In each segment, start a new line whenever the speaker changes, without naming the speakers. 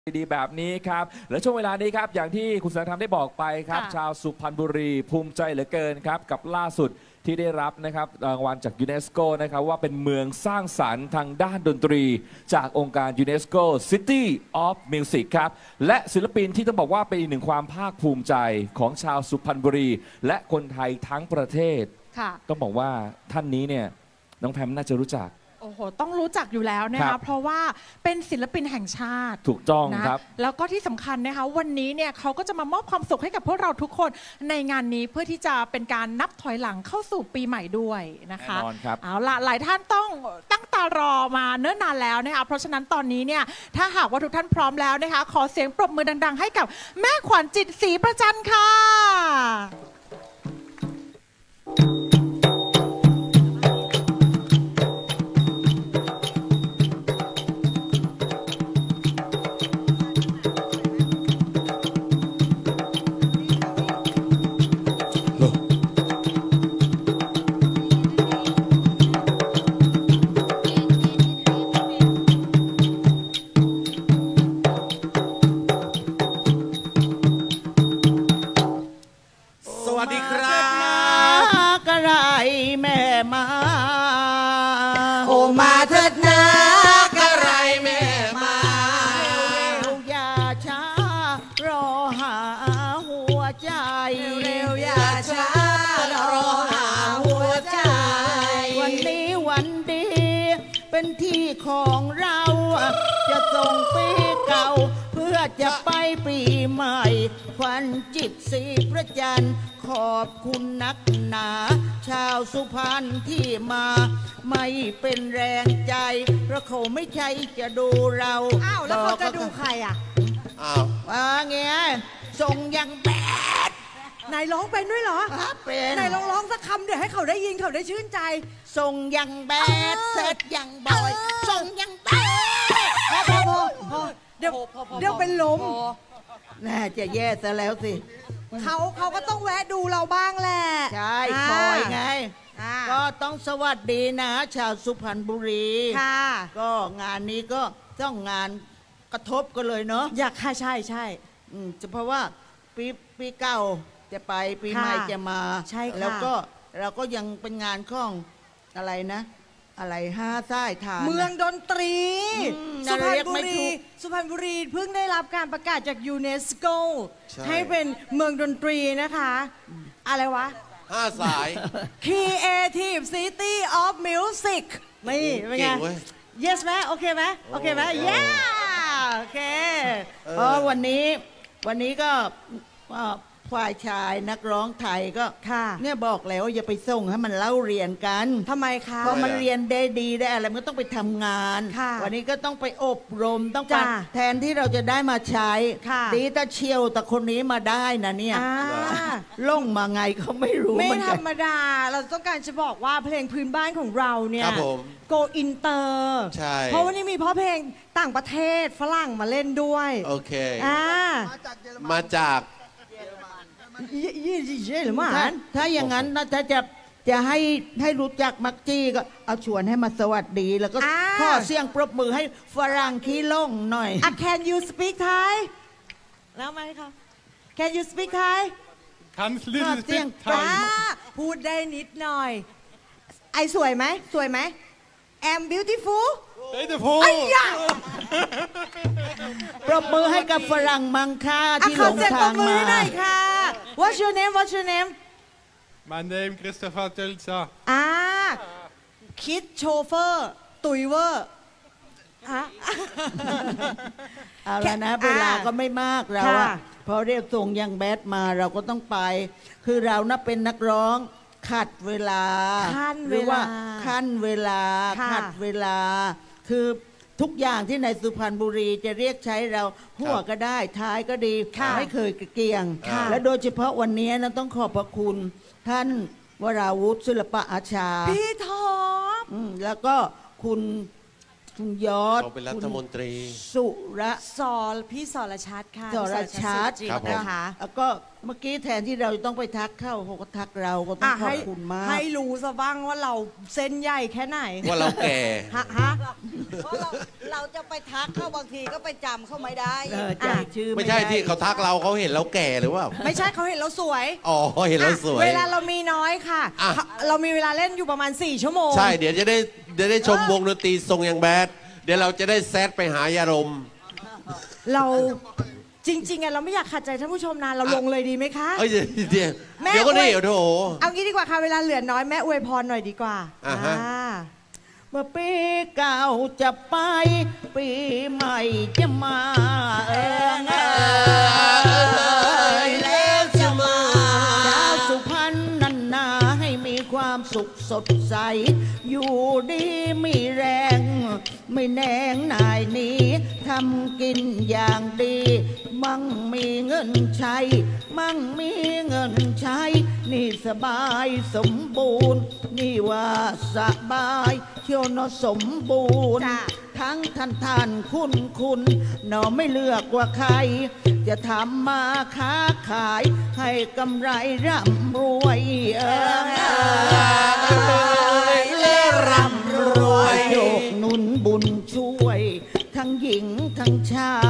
ดีแบบนี้ครับและช่วงเวลานี้ครับอย่างที่คุณแสงธรรมได้บอกไปครับชาวสุพรรณบุรีภูมิใจเหลือเกินครับกับล่าสุดที่ได้รับนะครับรางวัลจากยูเนสโกนะครับว่าเป็นเมืองสร้างสรรค์ทางด้านดนตรีจากองค์การยูเนสโก City of Music ครับและศิลปินที่ต้องบอกว่าเป็นอีกหนึ่งความภาคภูมิใจของชาวสุพรรณบุรีและคนไทยทั้งประเทศต้องบอกว่าท่านนี้เนี่ยน้องแพมน่าจะรู้จัก
โอ้โหต้องรู้จักอยู่แล้วนะคะเพราะว่าเป็นศิลปินแห่งชาติ
ถูกต้องครับ
แล้วก็ที่สำคัญนะคะวันนี้เนี่ยเขาก็จะมามอบความสุขให้กับพวกเราทุกคนในงานนี้เพื่อที่จะเป็นการนับถอยหลังเข้าสู่ปีใหม่ด้วยนะคะ
แน่นอนครับ
เอาละหลายท่านต้องตั้งตารอมาเนิ่นนานแล้วนะคะเพราะฉะนั้นตอนนี้เนี่ยถ้าหากว่าทุกท่านพร้อมแล้วนะคะขอเสียงปรบมือดังๆให้กับแม่ขวัญจิตศรีประจันค่ะ
สวัสดีครับกระไรแม่มา
โอมาเถิดนะกระไรแม่มา
เร็วอย่าช้ารอหาหัวใจ
เร็วอย่าช้ารอหาหัวใจ
วันนี้วันดีเป็นที่ของเราจะส่งปีเก่าเพื่อจะไปปีใหม่ขวัญจิตศรีประจันขอบคุณนักหนาชาวสุพรรณที่มาไม่เป็นแรงใจเพราะเขาไม่ใช่จะดูเรา
อ้าวแล้วเขาจะดูใครอ่ะ
อ้าวว่าไงส่งยังแบด
นายร้องเป็นด้วยเหรอ
เป็น
นายร้องสักคำเดี๋ยวให้เขาได้ยินเขาได้ชื่นใจ
ส่งยังแบดเสร็จยังบอยส่งยังแบด
พอเดี๋ยวเป็นลม
น่าจะแย่ซะแล้วสิ
เขาก็ต้องแวะดูเราบ้างแหละ
ใช่คอยไงก็ต้องสวัสดีนะชาวสุพรรณบุรี
ค่ะ
ก็งานนี้ก็ต้องงานกระทบกันเลยเนาะ
อยากค่ะใช่
เพราะว่าปีเก่าจะไปปีใหม่จะมา
ใช่
แล้วก็เราก็ยังเป็นงานของอะไรนะอะไร5 สายทาน
เมืองดนตรีสุพรรณบุรีเพิ่งได้รับการประกาศจากยูเนสโกให้เป็นเมืองดนตรีนะคะอะไรวะ
5 สาย
Creative City of Music นี่เป็นไง Yes ไหมโอเคไหมโอเคไหม Yeah โอเค
วันนี้ก็ฝ่ายชายนักร้องไทยก็เนี่ยบอกแล้วอย่าไปส่งให้มันเล่าเรียนกัน
ทำไมคะ
เพราะมันเรียนได้ดีได้อะไรมันก็ต้องไปทำงานวันนี้ก็ต้องไปอบรมต้องไปแทนที่เราจะได้มาใช้ดีแต่เชียวแต่คนนี้มาได้นะเนี่ยล่งมาไงเขาไม่รู้
ไม่ธรรมดาเราต้องการจะบอกว่าเพลงพื้นบ้านของเราเนี่ยโกอินเตอร์เพราะวันนี้มีเพราะเพลงต่างประเทศฝรั่งมาเล่นด้วย
โอเคมาจาก
หรือมาถ้าอย่างนั้นถ้าจะให้รู้จักมักจี้ก็เอาชวนให้มาสวัสดีแล้วก็ขอเสียงปรบมือให้ฝรั่งขี้ล่งหน่อย
Can you speak Thai แล้วไหมคะ Can you speak Thai
เสียง
พูดได้นิดหน่อยไอสวยไหมI'm beautiful
ไอ้
ยะ
ปรบมือให้กับฝรั่งมังค่าที่หลงทางมา
What's your name
My name Christopher Tulsa
คิดโชเฟอร์ตุยเวอร์
เอาละนะเวลาก็ไม่มากเราพอเรียกส่งยังแบดมาเราก็ต้องไปคือเรานับเป็นนักร้องขัดเวลาหรือว่าขั้นเวลาขัดเวลาคือทุกอย่างที่ในสุพรรณบุรีจะเรียกใช้เราหัวก็ได้ท้ายก็ดีไม่เคยเกี่ยงและโดยเฉพาะวันนี้นะต้องขอบพระคุณท่านวราวุฒิศิลปะอาชา
พี่ท็อป
แล้วก็คุณยอด
เป็นรัฐมนตรี
สุร
พี่สรชัดค่ะ
สรชัด
นะคะ
แล้วก็เมื่อกี้แทนที่เราจะต้องไปทักเข้าเขาก็ทักเราก็ต้องขอบคุณมาก
ให้รู้ซะบ้างว่าเราเส้นใหญ่แค่ไหน
ว่าเราแก่
ฮะ
เพราะเราจะไปทักเขาบางทีก็ไปจำเขาไม่ได้
จำชื่อ
ไม่ใช่
ด้
ที่เขาทักเราเขาเห็นเราแก่หรือว่า
ไม่ใช่เขาเห็นเราสวย
อ๋อเห็นเราสวย
เวลาเรามีน้อยค่ะ
อ่ะ
เรามีเวลาเล่นอยู่ประมาณ 4 ชั่วโมง
ใช่เดี๋ยวจะได้ชมวงดนตรีทรงอย่างแบดเดี๋ยวเราจะได้แซดไปหายาดม
เราจริงๆอะเราไม่อยากขัดใจท่านผู้ชมนานเราลงเลยดีไหมคะ
เอ้ยเดี๋ยว
แม่
เดี๋ยวก็นี่
อวย
โถ
เอางี้ดีกว่าค่ะเวลาเหลือน้อยแม่อวยพรหน่อยดีกว่า
อ่าฮะ
เมื่อปีเก่าจะไป ปีใหม่จะมา
แล้วจะมา
ชาวสุพรรณนันนาให้มีความสุขสดใส อยู่ดีมีแรง ไม่แนงนายหนี้ทำกินอย่างดี มั่งมีเงินใช้ มั่งมีเงินใช้ นี่สบายสมบูรณ์ นี่ว่าสบายเชียวเนอะสมบูรณ์
จ้ะ
ทั้งท่านคุณเนอไม่เลือกว่าใคร จะทำมาค้าขายให้กำไรร่ำรวย
และร่ำรวย
โยกหนุนบุญช่วย ทั้งหญิงทั้งชาย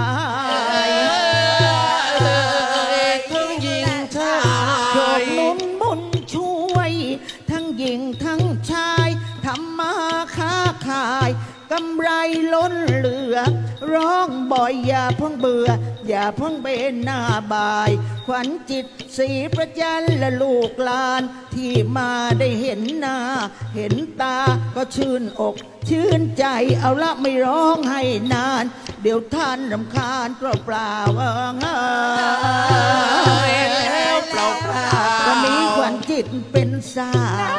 ทั้งหญิงชา
โย
ย
กหนุนบุญช่วย ทั้งหญิงทั้งชายทำมาค้าขายกำไรล้นเหลือ ร้องบ่อยอย่าเพิ่งเบื่อ อย่าเพิ่งเบนหน้าบาย ขวัญจิตศรีประจันและลูกหลาน ที่มาได้เห็นหน้า เห็นตาก็ชื่นอก ชื่นใจเอาละไม่ร้องให้นาน เดี๋ยวท่านรำคาญเปล่าๆ
แล้วเปล่า
วันนี้ขวัญจิตเป็นสาว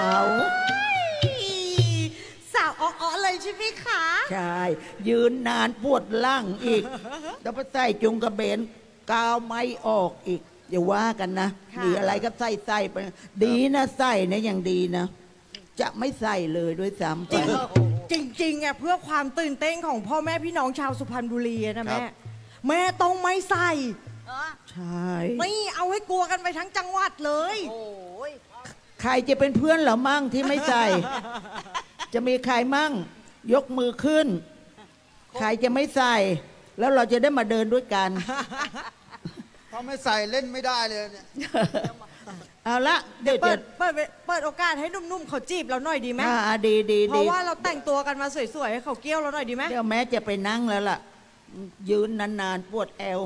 สาวอ้อๆเลยใช่ไหมคะ
ใช่ ยืนนานปวดล่างอีก แล้วไปใส่จุงกระเบนกาวไม้ออกอีก อย่าว่ากันนะ มีอะไรก็ใส่ไป ดีนะใส่เนี่ยยังดีนะ จะไม่ใส่เลยด้วยซ้ำไป
จริงๆอะเพื่อความตื่นเต้นของพ่อแม่พี่น้องชาวสุพรรณบุรีอะนะแม่ต้องไม่ใส่
ใช่
ไม่เอาให้กลัวกันไปทั้งจังหวัดเลย
โอ้ย
ใครจะเป็นเพื่อนเหรอมั่งที่ไม่ใส่ จะมีใครมั่ง ยกมือขึ้น ใครจะไม่ใส่ แล้วเราจะได้มาเดินด้วยกัน
ถ้าไม่ใส่เล่นไม่ได้เลยเนี่ย
เอาละเดี๋ยว
เปิ
จะ
ดเปิดโอกาสให้นุ่มๆเขาจีบเราหน่อยดีไหม
ดีดี
เพ
ดี
ราะว่าเราแต่งตัวกันมาสวยๆให้เขาเกี้ยวเราหน่อยดีไหม
เดี๋ยวแม้จะไปนั่งแล้วล่ะ ยืนนานๆปวดแอว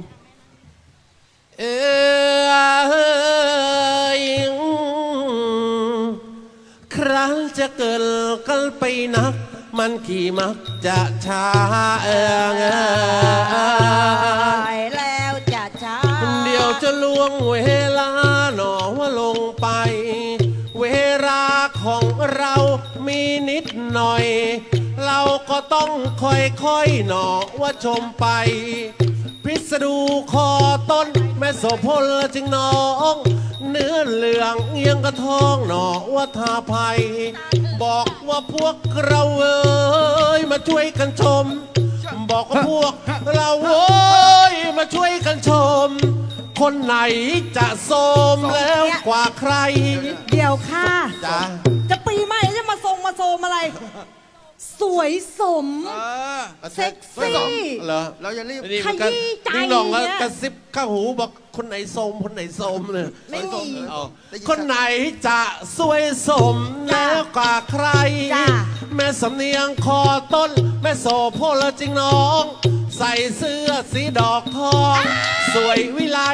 ครั้งจะเกิดกันไปนัก มันขี่มักจะช้า
แล้วจะช้า
เดี๋ยวจะล่วงเวลาหนอว่าลงไป เวลาของเรามีนิดหน่อย เราก็ต้องค่อยๆหนอว่าชมไป พิสดูคอต้นแม่โสพลจึงน้อง เนื้อเหลืองเอียงกระทองหนอว่าทาภัย บอกว่าพวกเราเอ้ยมาช่วยกันชม บอกว่าพวกเราเอ้ยมาช่วยกันชม คนไหนจะโสมแล้วกว่าใคร
เดี๋ยวค่ะ
จ้า
จะปีใหม่จะมาทรงมาโซมอะไร สวยสม เซ็กซี่
เหรอ
เราอย่ารีบ
นี่มันก็
ขยี้ใจ
นิ่งหน่องก็
เนี่ย
กระซิบข้างหูบอกคนไหนโสมคนไหนโสมเลย
ไม่มี
เอาคนไหนจะสวยสมแล้วกว่าใคร
จ้ะ
แม่สำเนียงคอต้น แม่โสโพลจริงน้อง ใส่เสื้อสีดอกทอง สวยวิไล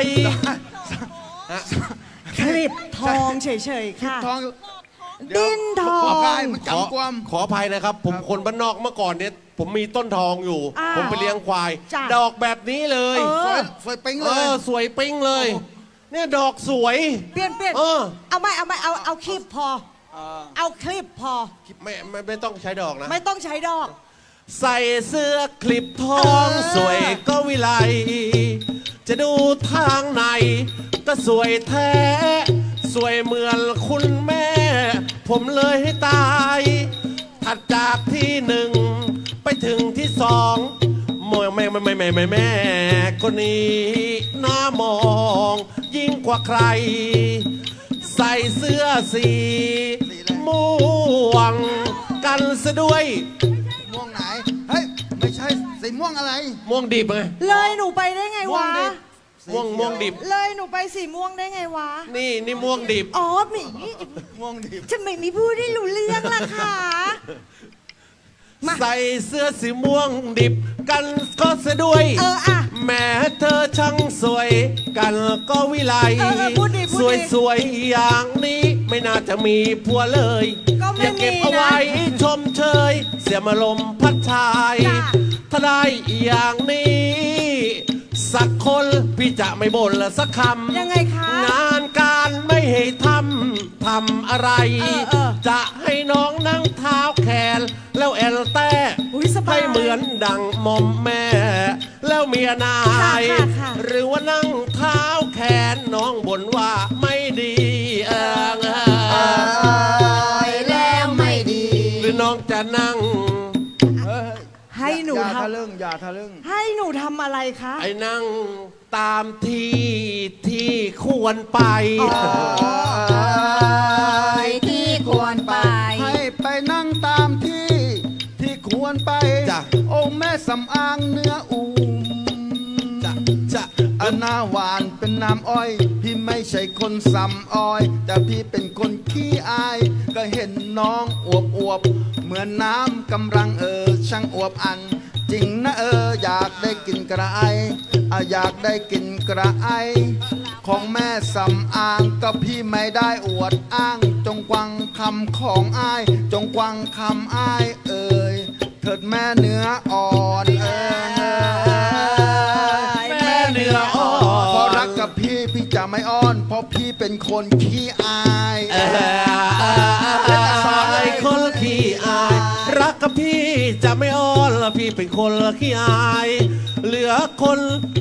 คลิปทองเฉยๆค่ะ
ทอง
ดิ้นทอง
ขอกายมันกำกวม
ขออภัยนะครับ ผมคนบ้านนอกเมื่อก่อนเนี่ยผมมีต้นทองอยู่
อ่า
ผมไปเลี้ยงควาย
จ้ะ
ดอกแบบนี้เลย
สวยปิ๊ง
เอ
เลย
อสวยปิ๊งเลย เนี่ยดอกสวย
เปลี่ยน
เออ
เอาไม่เอาคลิปพอ เอาคลิปพอ
ไม่ต้องใช้ดอกนะ
ไม่ต้องใช้ดอก
ใส่เสื้อคลิปทองสวยก็วิไล จะดูทางไหนก็สวยแท้ สวยเหมือนคุณแม่ ผมเลยให้ตาย ถัดจากที่หนึ่งไปถึงที่สอง มแม่คนนี้น่ามองยิ่งกว่าใคร ใส่เสื้อสีม่วงกันซะด้วย
ม่วงไหน เฮ้ย ไม่ใช่สีม่วงอะไร
ม่วงดิบไง
เลยหนูไปได้ไงวะ
ม่วงดิบ
เลยหนูไปสีม่วงได้ไงวะ
นี่ม่วงดิบ
อ๋อมี
ม่วงดิบ
จะไม่มีผู้ได้รู้เรื่องล่ะค่ะ มา
ใส่เสื้อสีม่วงดิบกันก็ซะด้วย
อ่ะ
แม้เธอช่างสวยกันก็วิไล
พูดดิพูดดิ
สวยๆอย่างนี้ไม่น่าจะมีผัวเลย
ก็ไม่
อย่าเก็บ
มีนะ
เอาไว้ชมเชย เสียมาลมพัดชาย
จ้ะ
ถ้าได้อย่างนี้ สักคนพี่จะไม่บ่นละสักคำ
ยังไงคะ
งานการไม่ให้ทำอะไร จะให้น้องนั่งเท้าแขน แล้วแอลแต่
อุ๊ยสบาย
ให้เหมือนดังหมอมแม่ แล้วเมียนาย
ค่ะ
หรือว่านั่งเท้าแขนน้องบ่นว่าไม่ดี
แล้วไม่ดี
หรือน้องจะนั่ง
ให้หนู
อย่า
ท
ทะลึ่งอย่าทะลึ่ง
ำให้หนูทำอะไรคะ
ไอ้นั่งตามที่ควรไป
ที่ควรไป
ให้ไปนั่งตามที่ควรไป
จ้ะ
โอ้แม่สำอางเนื้ออูม
จะ
อันหน้าหวานเป็นน้ำอ้อย พี่ไม่ใช่คนสำอ้อย แต่พี่เป็นคนขี้อาย ก็เห็นน้องอวบเหมือนน้ำกำลังช่างอวบอัน จริงนะอยากได้กินกระไออยากได้กินกระไอ ของแม่สำอางก็พี่ไม่ได้อวดอ้าง จงกวังคำของอาย จงกวังคำอายเถิดแม่เนื้ออ่อน
แม่เนื้ออ่อน
พอรักกับพี่จะไม่อ้อน เพราะพี่เป็นคนขี้อาย
ไอ้คนขี้อาย รักกับพี่จะไม่อ้อนละพี่เป็นคนขี้อาย เหลือคน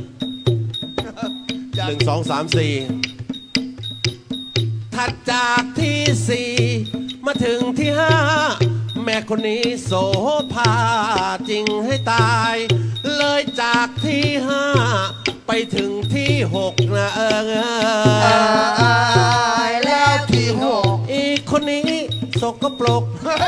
1 2 3 4 ถัดจากที่ 4 มาถึงที่ 5 แม่คนนี้โสภาจริงให้ตาย เลยจากที่ 5 ไปถึงที่ 6 นะ
แล้วที่หก
อีกคนนี้สกปรก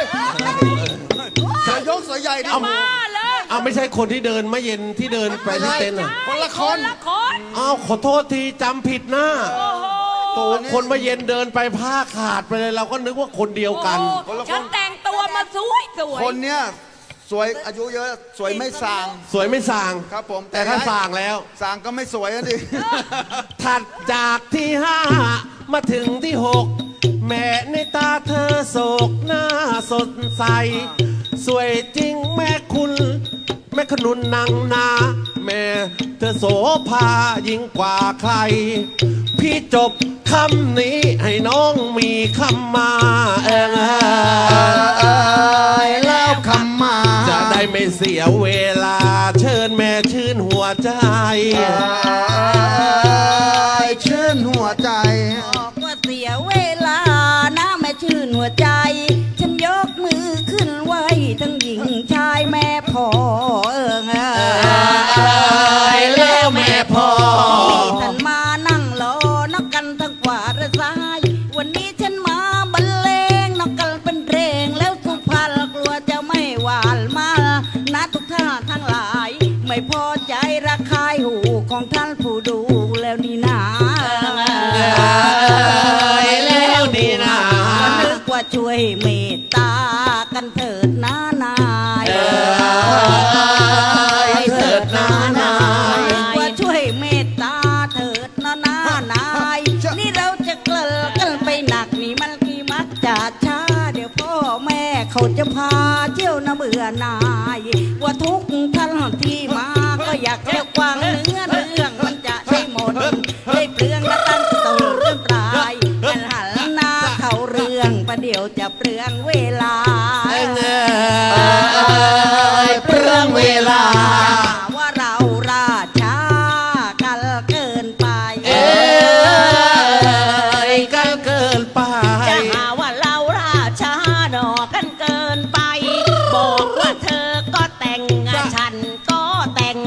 จะยกสายใหญ่ดิ
เอาไม่ใช่คนที่เดินมาเย็นที่เดินไปที่เต็นท์เหรอ
คนละคน
เอาขอโทษทีจำผิดนะโอ้คนมาเย็นเดินไปผ้าขาดไปเลยเราก็นึกว่าคนเดียวกัน
ฉันแต่งตัวมาสวยสวย
คนเนี้ยสวยอายุเยอะสวยไม่สาง
สวยไม่ส่าง
ครับผม
แต่ถ้าส่างแล้ว
สางก็ไม่สวยอะดิ
ถัดจากที่ 5 มาถึงที่ 6 แม่ในตาเธอโศกหน้าสดใส สวยจริงแม่คุณ แม่ขนุนนางนา แม่เธอโสภายิ่งกว่าใคร พี่จบคำนี้ให้น้องมีคำมา
แล้วคำมา
จะได้ไม่เสียเวลาเชิญแม่ชื่นหัวใจ
ชื่นหัวใจ
บอกว่าเสียเวลานะแม่ชื่นหัวใจ ฉันยกมือขึ้นไหวทั้งหญิงชายแม่พ่อ
แล้วแม่พ่อ
ท่านมานั่งรอนักกันทั้งขวาและซ้าย วันนี้ฉันมาบรรเลงนักกันเป็นเพลงแล้วสุพรรณกลัวจะไม่หวานมานะทุกท่านทั้งหลาย ไม่พอใจระคายหูของท่านผู้ดูแล้วนี่นา
แล้วดีนะ
ก็นึกว่าช่วยเมตตากันเถิดนะนาย
เถิดนะนาย
ว่าช่วยเมตตาเถิดนะนายนี่เราจะเกลิกกันไปหนักนี่มันกี่มักจะช้าเดี๋ยวพ่อแม่เขาจะพาเที่ยวนะเบื่อนายว่าทุกท่านที่มาก็อยากจะกวางเนื้อเรื่องมันจะใช่หมดได้เปลืองและตั้งตัวเรื่องปลายกันหันหน้าเขาเรื่องประเดี๋ยวจะเปลืองเวลา
เปลืองเวลา
ว่าเราราช้ากันเกินไป
กันเกินไป
จะหาว่าเราราช้าดอกกันเกินไป บอกว่าเธอก็แต่งฉันก็แต่ง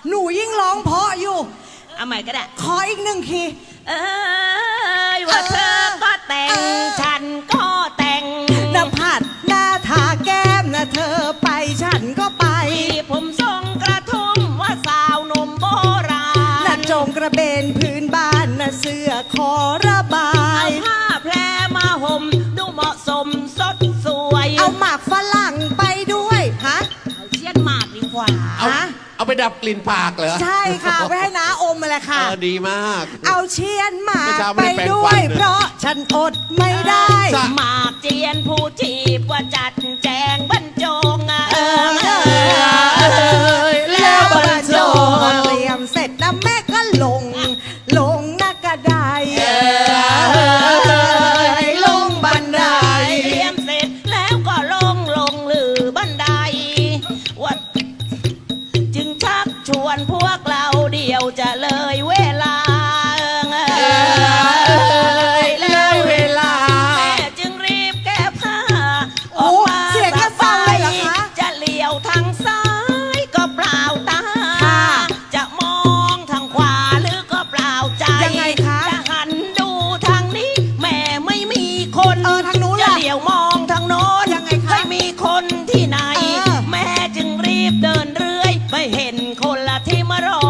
หนูยิ่งร้องเพราะอยู่
เอาใหม่ก็ได้
ขออีกหนึ่งคีย์
เอ้ยว่าเธอก็แต่ง ฉันก็แต่ง
น้ำผัดหน้าทาแก้มนะเธอไปฉันก็ไป
ที่ผมทรงกระทุ่มว่าสาวหนมโบราณ
น่ะโจงกระเบนพื้นบ้านน่ะเสื้อขอระบา
เอา
ย
ผ้าแพรมาห่มดูเหมาะสมสดสวย
เอาหมากฝรั่งไปด้วยฮะ
เอาเชียนหมากดีกว่า
เอาไปดับกลิ่นปากเหรอ
ใช่ค่ะไปให้น้าอมมาเลยค่ะ
ดีมาก
เอาเชียนหมาก
เมื่อเช้า
ไป
ไม่ได้แปรง
ด้ว
ฟั
ย
นเลย
เพราะฉันอดไม่ได้
หมากเจียนผู้จีบว่าจัดแจงบรรจง
แล้วบรรจงเตรียมเสร็จนะแม่ก็ลงหน้ากระไดลงบันได
เตรียมเสร็จแล้วก็ลงหรือบันไดว่าจึงชักชวนพวกเราเดียวจะเลยเวลา
เลยเวลา
แม่จึงรีบแก้ผ้าอ
โอ้
อกมา
เสียงแค่ฟังเลยเหรอคะ
จะเลี้ยวทางซ้ายก็เปล่าตา
ค่ะ
จะมองทางขวาหรือก็เปล่าใจ
ยังไงคะ
จะหันดูทางนี้ แม่ไม่มีคน
ทางนู้น
จะ
ล่ะ
เลี้ยวมองทางโน้น
ยังไงคะ
ไม่มีคนที่ไหน
แม่
แม่จึงรีบเดินเรื่อยไม่เห็นคนละที่มารอ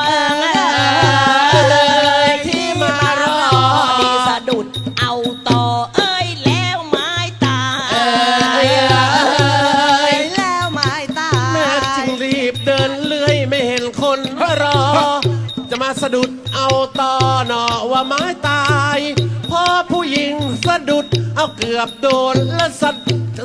ที่มารอ
ดีสะดุดเอาต่อเอ้ยแล้วไม้ตาย
แล้วไม้ตา
แม่จึงรีบเดินเลื่อยไม่เห็นคนรอ จะมาสะดุดเอาต่อหนอว่าไม้ตายพอผู้หญิงสะดุดเอาเกือบโดนและสะ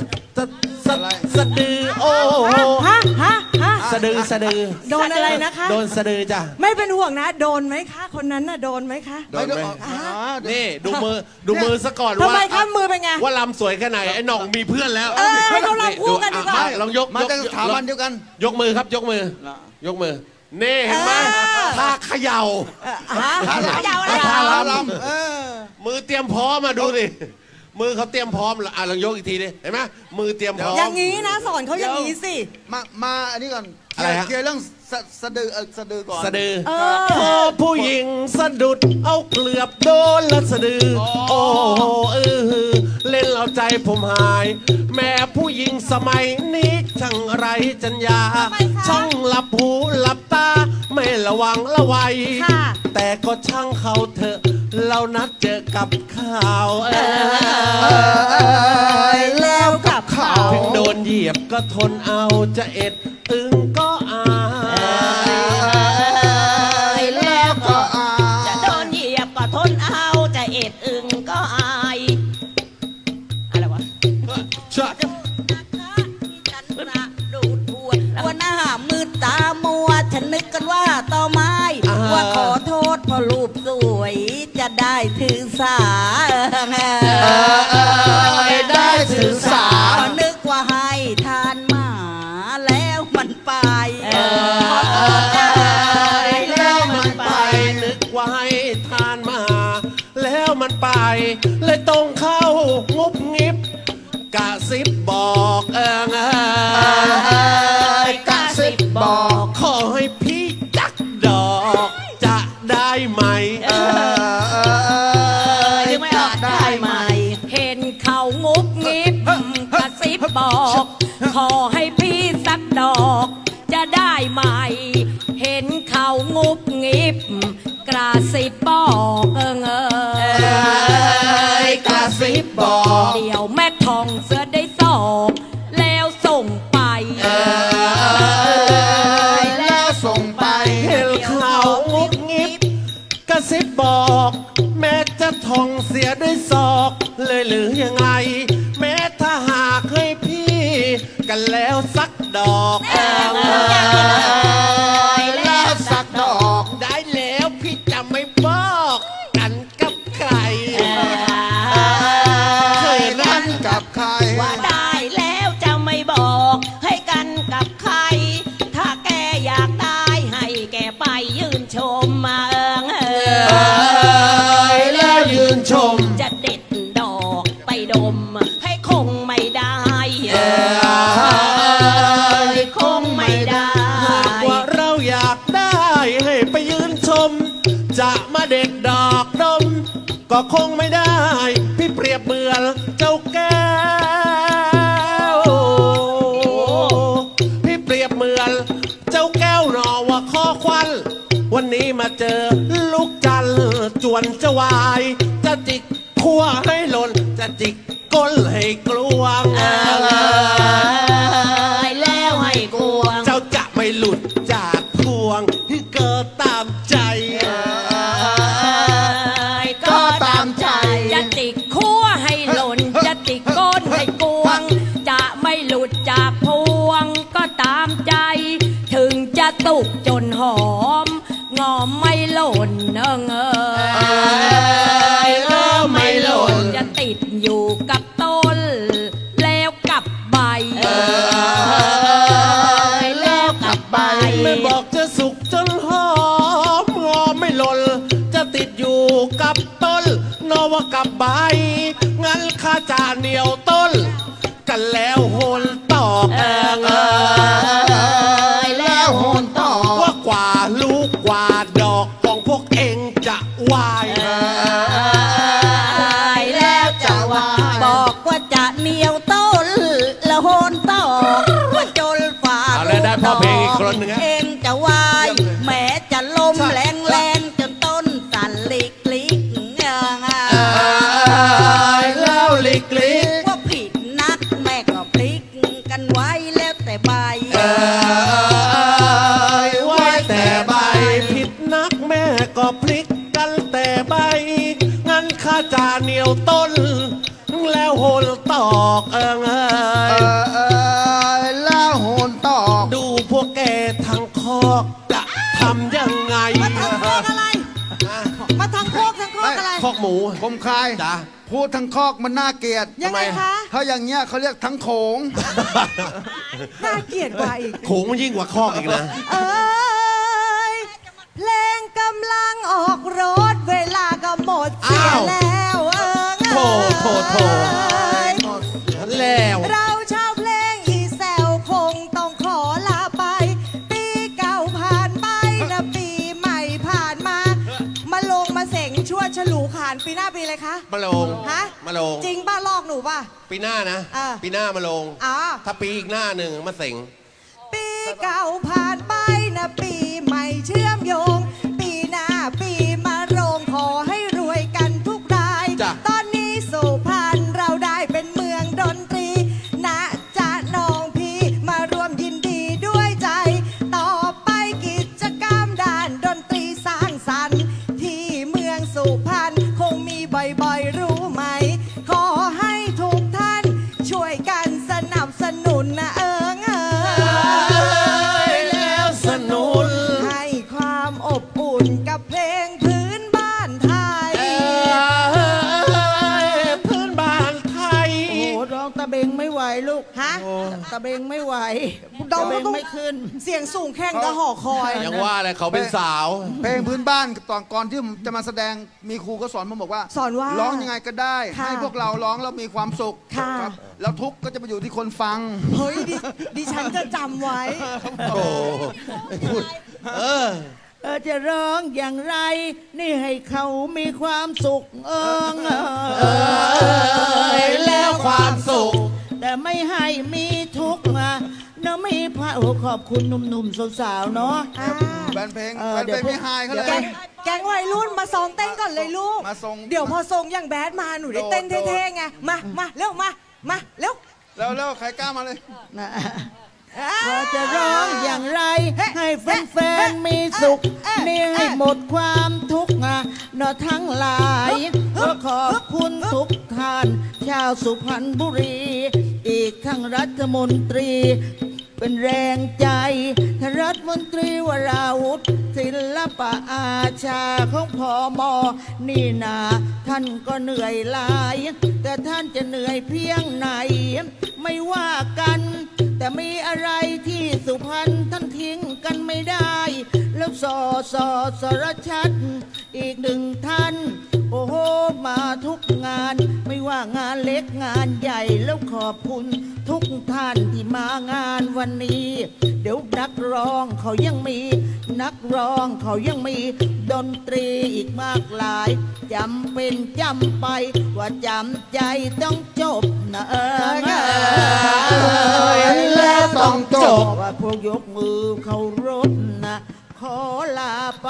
ดือโอ้โห
ฮะ
สะดือ
โดนอะไรนะคะ
โดนสะดือจ้ะ
ไม่เป็นห่วงนะ โดนไหมคะ คนนั้นน่ะโดนไหมคะ
โดนไหมนี่ดูมือซะก่อน
ทำ
ว่า
ไมคะมือเป็นไง
ว่าลำสวยแค่ไหนไอ้หน่องมีเพื่อนแล้ว
ให้เขาลำคู่กันดีกว่า
ลองยก
มาจากสถาบันเดียวกัน
ยกมือครับยกมือ ยกมือนี่เห็นไหมท่าเขย่า
ท่าลำ
มือเตรียมพร้อมมาดูดิมือเขาเตรียมพร้อมแล้วลองยกอีกทีดิเห็นไหมมือเตรียมพร้อม
อย่างนี้นะสอนเขาอย่างนี้สิ
มาอันนี้ก่อน
อะไรฮะ
เคลียร์เรื่องสะดือสะดือก่อน
สะดือพอผู้หญิงสะดุดเอาเกลือบโดนแล้วสะดือโอ้โหเล่นเอาใจผมหาย แม่ผู้หญิงสมัยนี้ช่างไรจัญญา
ทำไมคะ
ช่างหลับหูหลับตาไม่ระวังระวัย
ค่ะ
แต่ก็ช่างเขาเถอะเรานัดเจอกับข่าว
แล้วกับเขา
ถึงโดนเหยียบก็ทนเอาจะเอ็ดตึงก็อาย
แล้วก็จะโดนเหยียบก็ทนเอาจะเอ็ดอึงก็อายอะไรวะ
ชัด
วันหน้ามืดตามัวฉันนึกกันว่าต่อไม้ ว่าขอโทษเพอรูปสวยจะได้ถือสา
ได้ถือสา
นึกว่าให้ทานหมาแล้วมันไป
แล้วมันไปนึกว่าให้ทานมา แล้วมันไป เลยต้องเข้างุบงิบกะซิบบอก
กะซิบบอก
ขอให้พี่จักดอกจะได้ไหม
ยังไม่ออกได้ไหม
เห็นเขางุบงิบกระซิบบอก ขอให้พี่สักดอกจะได้ไหม เห็นเขางุบงิบกระซิบบอก
กระซิบบอก
เดี๋ยวแม่ทองเสือได้สอกแล้วส่งไป
แล้วส่งไป
เห็นเขางุบงิบกระซิบบอก แม้จะทองเสียด้วยศอกเลยหรือยังไง แม้ถ้าหากให้พี่กันแล้วสักดอกแล้วสักดอกได้แล้วพี่จะไม่บอกกันกับใครเคยรัก
กับใคร
ว่าได้แล้วจะไม่บอกให้กันกับใคร ถ้าแกอยากได้ให้แกไปยืนชมมา
แล้วยืนชม
จะเด็ดดอกไปดมให้คงไม่ได้คงไม่ได้
ว่าเราเด็ดดอกดมก็คงไม่ได้ พี่เปรียบเหมือนเจ้าแก้วพี่เปรียบเหมือนเจ้าแก้วหนอว่าข้อควันวันนี้มาเจอลูกจันทร์จวนจะวายจะจิกขั้วให้หล่นจะจิกก้นให้กลวง
แล้วให้กวง
เจ้าจะไม่หลุดจากพวงที่เกิดตามใจ
ก็ตามใจจะติกขั้วให้หล่นจะติกก้นให้กวง จะไม่หลุดจากพวงก็ตามใจ ถึงจะตุกจนหอมงอมไม่หล่น
แล้วไม่หล่น
จะติดอยู่กับต้นแล้วกับใบแล้วกับใบ
ไม่บอกจะสุกจนหอมงอไม่หล่นจะติดอยู่กับต้นนอว่ากับใบงั้นข้าจะเหนียวต้นกันแล้วโหนตอก
แล้วโหนตอก
ว่ากว่าลูกกว่าดอกของพวกเองจะวาย
แล้วจะว่าบอกว่าจะเหนียวต้นแล้วโหนตอกว่าจนฝ่า
เอาแล้วได้พ่อเพลงอีกคนหนึ่ง
เองจะวายแม้จะลมแรงแรงจนต้นสั่นลิกลิก
แล้วลิกลิก
ว่าผิดนักแม่ก็พลิกกันไว้แล้วแต่ใบ
ไว้แต่ใบผิดนักแม่ก็พลิกกันแต่ใบงั้นข้าจะเหนียวต้นแล้วโหนตอก
แล้วโหนตอก
ดูพวกแกทางคอกจะทำยังไง
มาทางโคกอะไร มาทางโคกอะไร
คอกหมู
ผมคาย
จ้ะ
พูดทั้งคอกมันน่าเกลียด
ยังไงคะ
ถ้าอย่างเงี้ยเขาเรียกทั้งโขง
น่าเกลียดกว่าอีก
โขงมันยิ่งกว่าคอกอีกนะ
เอ้ยเพลงกำลังออกรถเวลาก็หมดเสีย
อ้าว
แล้ว
โถแล้ว
เราชาวเพลงอีแซวคงต้องขอลาไป ปีเก่าผ่านไปนะปีใหม่ผ่านมา มาลงมาเสงชั่วฉลูขานปีหน้าปีอะไรคะ
มาลง
ฮะ
มาลง
จริงป้าลอกหนูป่ะ
ปีหน้านะ
อ่า
ปีหน้ามาลง
อ๋อ
ถ้าปีอีกหน้าหนึ่งมาเสง
ปีเก่าผ่านไปนะปีใหม่เชื่อมโยง ปีหน้าปีมาโรงขอให้รวยกันทุกราย
จ้ะ
ตอนนี้สุพรรณเราได้เป็นเมืองดนตรีนะจ๊ะน้องพี่มารวมยินดีด้วยใจ ต่อไปกิจกรรมด้านดนตรีสร้างสรรค์ที่เมืองสุพรรณคงมีบ่อยๆรู้ไหม ขอให้ทุกท่านช่วยกันสนับสนุนนะ
แล้วสนุน
ให้ความอบอุ่นกับเพลงพื้นบ้านไทย
พื้นบ้านไทย
โอ้โหร้องตะเบงไม่ไหวลูก
ฮะ
ตะเบงไม่ไหว
ดอ
ตะ
ง
เบ
ก็
ง
ต้อง
ไม่ขึ้น
เสียงสูงแข่งกับหอคอย
ยังว่าอะไรเขาเป็นสาว
เพลงพื้นบ้านก่อนที่จะมาแสดงมีครูก็สอนผมบอกว่า
สอนว่า
ร้องยังไงก็ได้
ค่ะ
ให้พวกเราร้องแล้วมีความสุข
ค่ะ
ครับแล้วทุกข์ก็จะไปอยู่ที่คนฟัง
เฮ้ยดิฉันจะจำไว้
โอ้ไม่พูด
จะร้องอย่างไร นี่ให้เขามีความสุข
แล้วความสุข
แต่ไม่ให้มีทุกข์นะไม่พระโอ้ขอบคุณหนุ่มๆสาวๆเนาะ
แบนเพลง
เดี๋ยว
ไม่หายเขาเล
แก
ย
งแกงวัยรุ่นมาซ้อมเต้นก่อนเลยลูก
มาทรง
เดี๋ยวพอทรงอย่างแบดมาหนูได้เต้น
โดด
เท่ๆไง มาเร็วมาเร็ว
แล้วใครกล้ามาเลย
นะว่าจะร้องอย่างไร ให้แฟนๆมีสุข นี่ให้หมดความทุกข์นะทั้งหลายก็ขอบคุณทุกท่าน ชาวสุพรรณบุรี อีกทั้งรัฐมนตรี เป็นแรงใจรัฐมนตรีวราวุธศิลปะอาชาของพมนี่นาท่านก็เหนื่อยหลาย แต่ท่านจะเหนื่อยเพียงไหน ไม่ว่ากัน แต่มีอะไรที่สุพรรณท่านทิ้งกันไม่ได้ แล้วสรชัดอีกหนึ่งท่าน โอ้โหมาทุกงาน ไม่ว่างานเล็กงานใหญ่แล้วขอบคุณทุกท่านที่มางานวันนี้ เดี๋ยวนักร้องเขายังมีนักร้องเขายังมีดนตรีอีกมากหลายจำเป็นจำไปว่าจำใจต้องจบนะ
และต้องจบ
ว่าพวกยกมือเคารพนะขอลาไป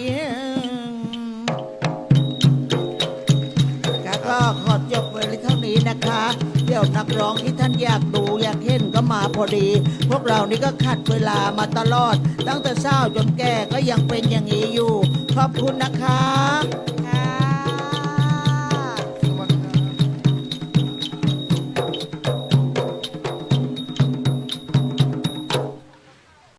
ก็ขอจบไว้เท่านี้นะคะเดี๋ยวนักร้องที่ท่านอยากดูอยากเห็นก็มาพอดี พวกเรานี่ก็ขัดเวลามาตลอดตั้งแต่เช้าจนแก่ก็ยังเป็นอย่างนี้อยู่ขอบคุณนะคะ